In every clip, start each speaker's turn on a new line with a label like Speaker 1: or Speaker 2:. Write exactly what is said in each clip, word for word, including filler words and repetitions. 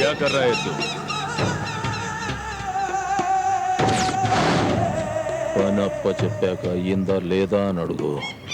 Speaker 1: क्या कर रहा है तू?
Speaker 2: పనప్ప చెప్పాక అయ్యిందా లేదా అని అడుగు.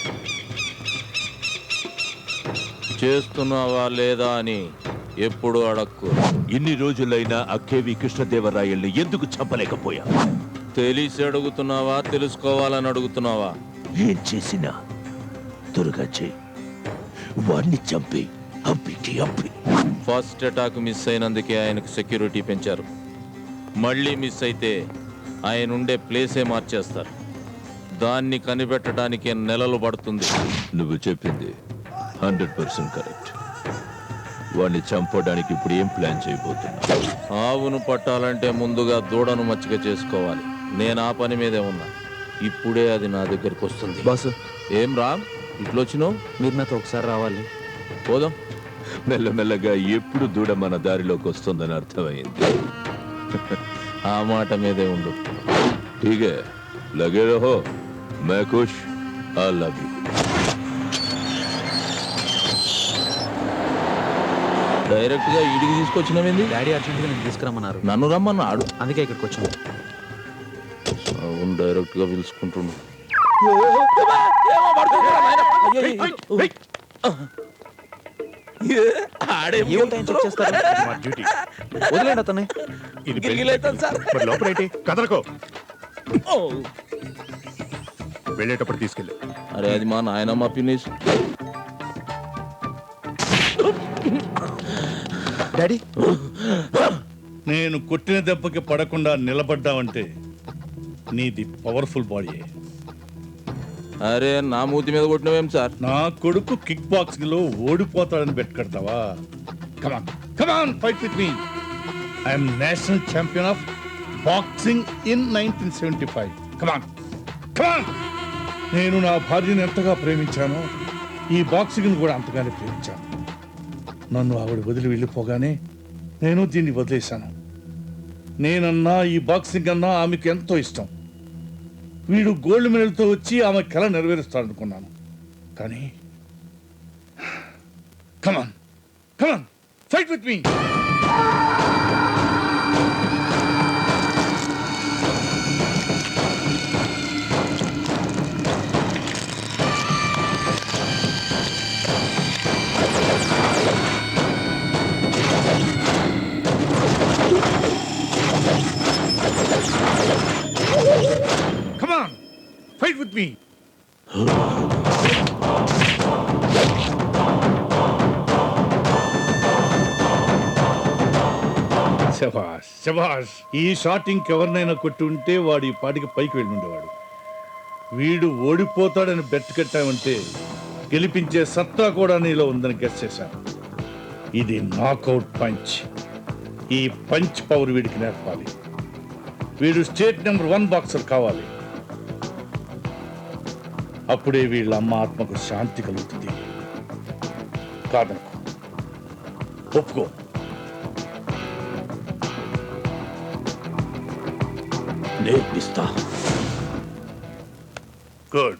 Speaker 2: చేస్తున్నావా లేదా అని ఎప్పుడు అడక్కు.
Speaker 1: ఇన్ని రోజులైనా ఆ కేవి కృష్ణదేవరాయల్ని ఎందుకు చంపలేకపోయా?
Speaker 2: తెలిసి అడుగుతున్నావా తెలుసుకోవాలని అడుగుతున్నావా?
Speaker 1: ఏం చేసినా త్వరగా చేయి. వాడిని చంపి అప్పికి అప్పి.
Speaker 2: ఫస్ట్ అటాక్ మిస్ అయినందుకే ఆయనకు సెక్యూరిటీ పెంచారు. మళ్ళీ మిస్ అయితే ఆయన ఉండే ప్లేసే మార్చేస్తారు. దాన్ని కనిపెట్టడానికి నెలలు పడుతుంది.
Speaker 1: నువ్వు చెప్పింది హండ్రెడ్ పర్సెంట్ కరెక్ట్. వాడిని చంపడానికి ఇప్పుడు ఏం ప్లాన్ చేయబోతున్నా?
Speaker 2: ఆవును పట్టాలంటే ముందుగా దూడను మచ్చిక చేసుకోవాలి. నేను ఆ పని మీదే ఉన్నా. ఇప్పుడే అది నా దగ్గరకు వస్తుంది.
Speaker 3: బాసు,
Speaker 2: ఏం రామ్ ఇట్లొచ్చినావు?
Speaker 3: మీరు నాతో ఒకసారి రావాలి.
Speaker 2: పోదాం.
Speaker 1: మెల్లమెల్లగా ఎప్పుడు దూడ మన దారిలోకి వస్తుందని అర్థమైంది.
Speaker 2: ఆ మాట మీదే ఉండు.
Speaker 1: ठीक है, लगे रहो. मैं खुश, I love you.
Speaker 2: డైరెక్ట్ గా ఈడికి తీసుకొచ్చినవేంది?
Speaker 3: డాడీ అర్జెంట్గా నేను తీసుకురమ్మన్నారు,
Speaker 2: నన్ను రమ్మన్నాడు.
Speaker 3: అందుకే ఇక్కడికి వచ్చాను.
Speaker 2: అవును, డైరెక్ట్ గా పిలుచుకుంటున్నాడు.
Speaker 3: ఏమిటో చెక్ చేస్తారు. వదిలేండి అతన్ని.
Speaker 4: లోపలేంటి కదలకో. వెళ్ళేటప్పుడు తీసుకెళ్ళి.
Speaker 2: అరే అది మా నాయనమ్మ పిన్నిస్.
Speaker 3: డాడీ,
Speaker 5: నేను కొట్టిన దెబ్బకి పడకుండా నిలబడ్డావంటే నీది పవర్ఫుల్ బాడీ.
Speaker 2: అరే నా మూతి మీద కొట్టినవేం సార్?
Speaker 5: నా కొడుకు కిక్ బాక్సింగ్ లో ఓడిపోతాడని బెట్ కడతావా? Come on come on fight with me. I'm national champion of boxing in nineteen seventy five. Come on come on. నేను నా భార్యను ఎంతగా ప్రేమించానో ఈ బాక్సింగ్ కూడా అంతగానే ప్రేమించాను. నన్ను ఆవిడ వదిలి వెళ్ళిపోగానే నేను దీన్ని వదిలేశాను. నేనన్నా ఈ బాక్సింగ్ అన్నా ఆమెకు ఎంతో ఇష్టం. వీడు గోల్డ్ మెడల్తో వచ్చి ఆమె కళ నెరవేరుస్తాడనుకున్నాను. కానీ come on come on fight with me. Come on, fight with me. శభాష్ శభాష్. ఈ షాట్ ఇంకెవరినైనా కొట్టి ఉంటే వాడు ఈ పాటికి పైకి వెళ్ళి ఉండేవాడు. వీడు ఓడిపోతాడని బెట్ కట్టామంటే గెలిపించే సత్తా కూడా నీలో ఉందని గెస్ చేశాను. ఇది నాకౌట్ పంచ్. ఈ పంచ్ పవర్ వీడికి నేర్పాలి. వీడు స్టేట్ నెంబర్ వన్ బాక్సర్ కావాలి. అప్పుడే వీళ్ళ అమ్మ ఆత్మకు శాంతి కలుగుతుంది. కాదనుకో, ఒప్పుకో.
Speaker 1: నేర్పిస్తా.
Speaker 5: గుడ్.